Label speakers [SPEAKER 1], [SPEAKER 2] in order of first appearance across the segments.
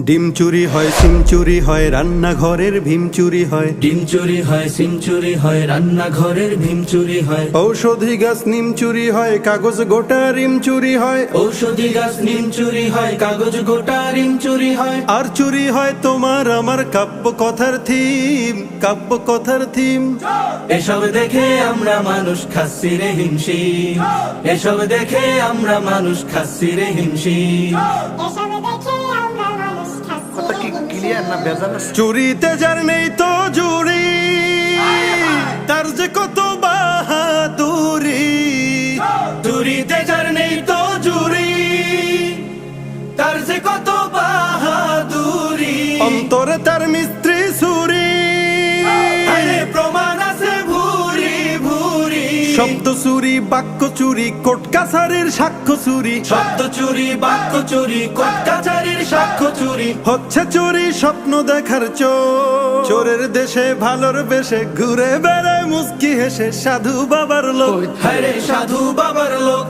[SPEAKER 1] ডিম চুরি হয়, সিম চুরি হয়, রান্নাঘরের ভীম চুরি হয়।
[SPEAKER 2] ডিম চুরি হয়, সিম চুরি হয়, রান্নাঘরের ভীম চুরি হয়।
[SPEAKER 1] ঔষধি গাছ নিম চুরি হয়, কাগজ গোটা রিম চুরি হয়।
[SPEAKER 2] ঔষধি গাছ নিম চুরি হয়, কাগজ গোটা রিম চুরি হয়।
[SPEAKER 1] আর চুরি হয় তোমার আমার কাব্য কথার থিম, কাব্য কথার থিম।
[SPEAKER 2] এসব দেখে আমরা মানুষ খাচ্ছি রে হিমশিম। এসব দেখে আমরা মানুষ খাচ্ছি রে হিমশিম।
[SPEAKER 1] চুরিতে যার নেই তো জুড়ি, তার যে কত বাহাদুরি।
[SPEAKER 2] চুরিতে যার নেই তো জুরি, তার যে কত বাহাদুরি।
[SPEAKER 1] অন্তরে তার মিস্ত্রি সুরি,
[SPEAKER 2] আরে প্রমাণ আছে ভুরি ভুরি।
[SPEAKER 1] শব্দ চুরি, বাক্য চুরি, কোর্ট কাছারির সাক্ষ্য চুরি।
[SPEAKER 2] শব্দ চুরি, বাক্য চুরি, কোর্ট কাছারির সাক্ষ্য চুরি।
[SPEAKER 1] হচ্ছে চুরি স্বপ্ন দেখার চোর। চোরের দেশে ভালোর বেশে ঘুরে বেড়ায় মুস্কি হেসে সাধু বাবার লোক।
[SPEAKER 2] হায়রে সাধু বাবার লোক।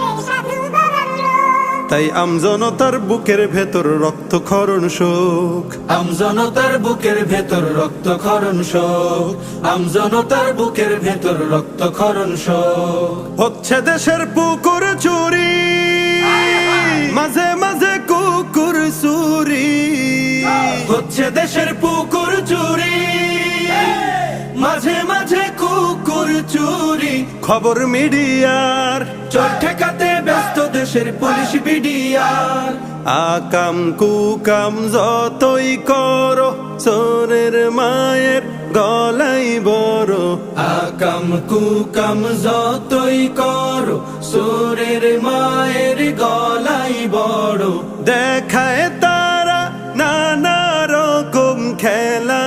[SPEAKER 1] তাই আমজনতার বুকের ভেতর রক্তক্ষরণ শোক।
[SPEAKER 2] আমজনতার বুকের ভেতর রক্তক্ষরণ শোক। আমজনতার বুকের ভেতর রক্তক্ষরণ শোক।
[SPEAKER 1] হচ্ছে দেশের পুকুর চুরি, মাঝে মাঝে কুকুর চুরি।
[SPEAKER 2] হচ্ছে দেশের পুকুর চুরি, মাঝে মাঝে কুকুর চুরি।
[SPEAKER 1] খবর মিডিয়ার
[SPEAKER 2] চোর ঠেকাতে ব্যস্ত দেশের পুলিশ বিডিআর।
[SPEAKER 1] আকাম কুকাম যতই করো, চোরের মায়ের গলাই বড়।
[SPEAKER 2] আকাম কুকাম যতই করো, চোরের মায়ের গলাই বড়।
[SPEAKER 1] দেখায় তারা নানা রকম খেলা,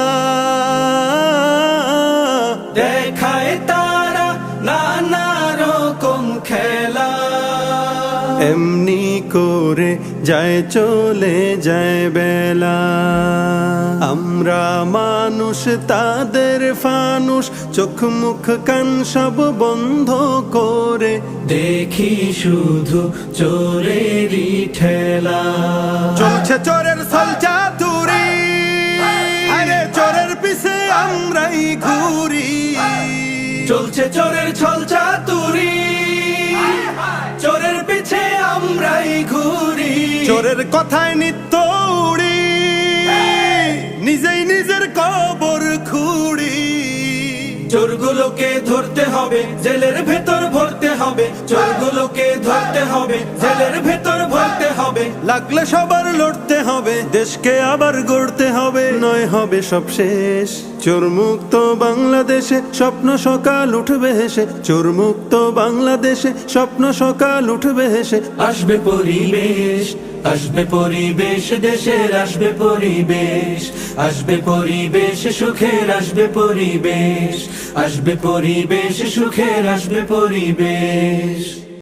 [SPEAKER 2] দেখায় তারা নানা রকম খেলা।
[SPEAKER 1] এমনি করে যায় চলে যায় বেলা। আমরা মানুষ তাদের ফানুষ, চোখ মুখ কান সব বন্ধ করে
[SPEAKER 2] দেখি শুধু চোরেরই ঠেলা।
[SPEAKER 1] চলছে চোরের ছলচাতুরি, আরে চোরের পিছে আমরাই ঘুরি।
[SPEAKER 2] চলছে চোরের ছলচাতুরি, চোরের পিছে আমরাই ঘুরি।
[SPEAKER 1] চোরের কথায় নিত্য উড়ি, নিজেই নিজের কবর খুঁড়ি।
[SPEAKER 2] চোরগুলোকে ধরতে হবে, জেলের ভেতর ভরতে হবে। চোরগুলোকে ধরতে হবে, জেলের ভেতর ভরতে হবে।
[SPEAKER 1] লাগলে সবার লড়তে হবে, দেশকে আবার গড়তে হবে। নয় হবে সব শেষ, চোর মুক্ত বাংলাদেশে স্বপ্ন সকাল উঠবে হেসে। চোর মুক্ত বাংলাদেশে স্বপ্ন সকাল উঠবে হেসে।
[SPEAKER 2] আসবে পরিবেশ, আসবে পরিবেশ, দেশের আসবে পরিবেশ। আসবে পরিবেশ সুখের, আসবে পরিবেশ। আসবে পরিবেশ সুখের, আসবে পরিবেশ।